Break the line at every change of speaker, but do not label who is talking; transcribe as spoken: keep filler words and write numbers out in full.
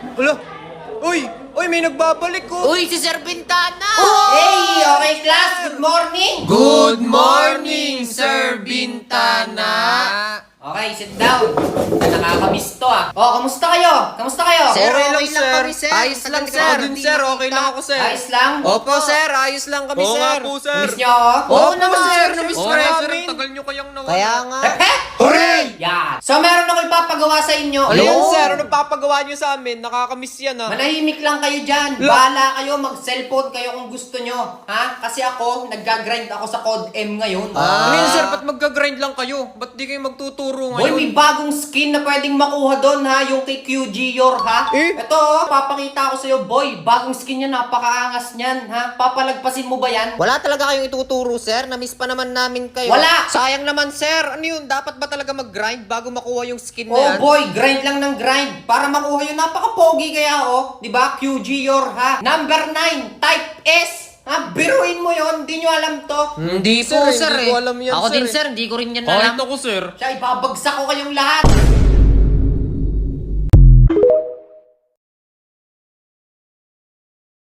Ulo! Uy! Uy, may nagbabalik ko!
Uy, si Sir Bintana!
Hey! Okay, class! Good morning!
Good morning, Sir Bintana!
Okay, sit down. Nakakamiss to ah. Oh, kamusta kayo? Kamusta kayo?
Sir,
Okay
okay,
lang,
lang
sir.
kami, sir.
Ayos lang,
Tagal
sir.
ka
Ako din, sir. Okay lang ako, sir.
Ayos lang?
Opo, sir. Ayos lang kami,
Oo
sir.
nga po, sir.
Miss nyo ako?
Oo naman, sir.
Namiss
Oo
ka
nga, sir.
namin.
Ang tagal nyo kayang nawala.
Kaya nga.
Heh?
Hooray!
Yan. So, meron ako ipapagawa sa inyo.
Ano yan,
Oo.
sir? Ano papagawa nyo sa amin? Nakakamiss yan, ah.
Manahimik lang kayo dyan.
La-
Bahala kayo, mag-cellphone kayo kung gusto nyo. Ha? Kasi ako, nag-grind ako sa Code M ngayon.
Ano yan, sir? Ba't mag-grind lang kayo? Ba't di kayo magtuturo
Boy,
ngayon?
may bagong skin na pwedeng makuha doon ha, yung kay Q G Yor ha.
Eh?
Ito oh, papakita ko sa'yo boy, bagong skin yan, napakaangas niyan ha. Papalagpasin mo ba yan?
Wala talaga kayong ituturo, sir. Namiss pa naman namin kayo.
Wala.
Sayang naman, sir. Ano yun? Dapat ba talaga mag-grind bago makuha yung skin na
Oh
yan?
boy, grind lang ng grind para makuha yun. Napaka-pogi kaya oh, di ba? Q G Yor ha. Number nine, type S. Ha, biruin mo yon, di nyo alam to.
Hindi
Sir,
po,
hindi
sir.
ko
eh.
alam yan,
Ako
sir,
din,
eh.
sir. Hindi ko rin yan
Kahit
alam.
ako, sir.
Siya, ibabagsak ko kayong lahat.